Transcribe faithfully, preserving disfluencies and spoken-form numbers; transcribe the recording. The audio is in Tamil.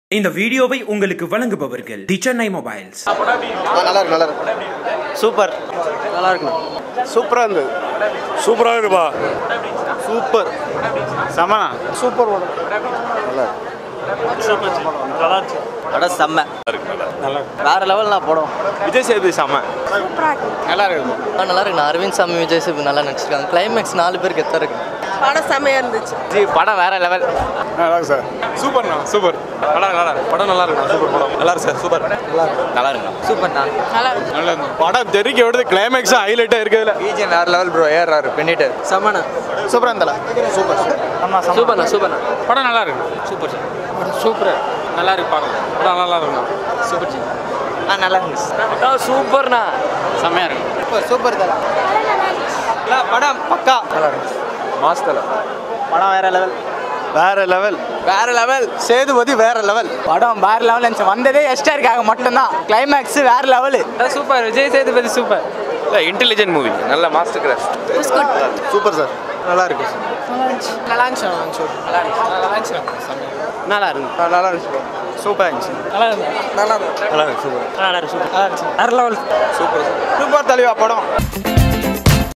இந்த வீடியோவை உங்களுக்கு வழங்குபவர்கள் தி சென்னை மொபைல்ஸ். நல்லா இருக்கு, நல்லா இருக்கு, சூப்பர், நல்லா இருக்கு, சூப்பரா இருந்தது, சூப்பரா இருக்குப்பா, சூப்பர், செம, சூப்பர் படம், நல்லா இருக்கு, நல்லா இருக்கு, படம் செம்ம, நல்லா இருக்கு, வேற லெவல்ல படம். விஜய் சேதுபதி செம்ம, சூப்பரா இருக்கு, நல்லா இருக்கு, நல்லா இருக்கு. அரவிந்த் சாமி விஜய் சேதுபதி நல்லா நடிச்சிருக்காங்க. கிளைமேக்ஸ் நாலு பேருக்கு எத்த இருக்கு. படம் செம்மையா இருந்துச்சு. ஜி படம் வேற லெவல். நல்லா இருக்கு சார். சூப்பர்ண்ணா, சூப்பர், நல்லா நல்லா இருக்கு, படம் நல்லா இருக்கு, சூப்பர் படம், நல்லா இருக்கு சார், சூப்பர், நல்லா இருக்கு, சூப்பர்ண்ணா, நல்லா இருக்கு, நல்லா இருக்கு, படம் தெரிக்க விடுது. கிளைமேக்ஸ் ஹைலைட்டா இருக்குதுல. பிஜிஎம் வேற லெவல் ப்ரோ. ஏஆர் ஆர் பண்ணிட்டு செம்மண்ணா, சூப்பரா இருந்தால, சூப்பர், ஆமா சூப்பர்ண்ணா, சூப்பர்ண்ணா, படம் நல்லா இருக்கு, சூப்பர் சார், சூப்பர், நல்லா இருக்கு, பார்க்கலாம், படம் நல்லா இருக்குண்ணா, சூப்பர் சார், ஆ நல்லா இருக்கு, சூப்பர்ண்ணா, செம்மையா இருக்கு, சூப்பர், சூப்பர் தல, படம் பக்கா நல்லா இருக்கு, மாஸ்டர் படம் வேற லெவல், வேற லெவல், வேற லெவல், சேதுபதி வேற லெவல், படம் வேற லெவல் இருந்துச்சு. வந்ததே எஸ்டாருக்காக மட்டும்தான். கிளைமேக்ஸ் வேற level, super, Vijay Sethupathi super, intelligent movie, நல்ல மாஸ்டர் கிராஃப்ட், சூப்பர் சார், நல்லா இருக்கு, நல்லா இருந்துச்சு, நல்லா இருந்துச்சு, நல்லா இருந்துச்சு, நல்லா இருக்கு, நல்லா இருந்துச்சு, சூப்பர் இருந்துச்சு, நல்லா இருக்கு, நல்லா இருக்கு, நல்லா இருக்கு, சூப்பர், நல்லா இருக்கு, சூப்பர், வேற லெவல், சூப்பர், சூப்பர் தலைவா படம்.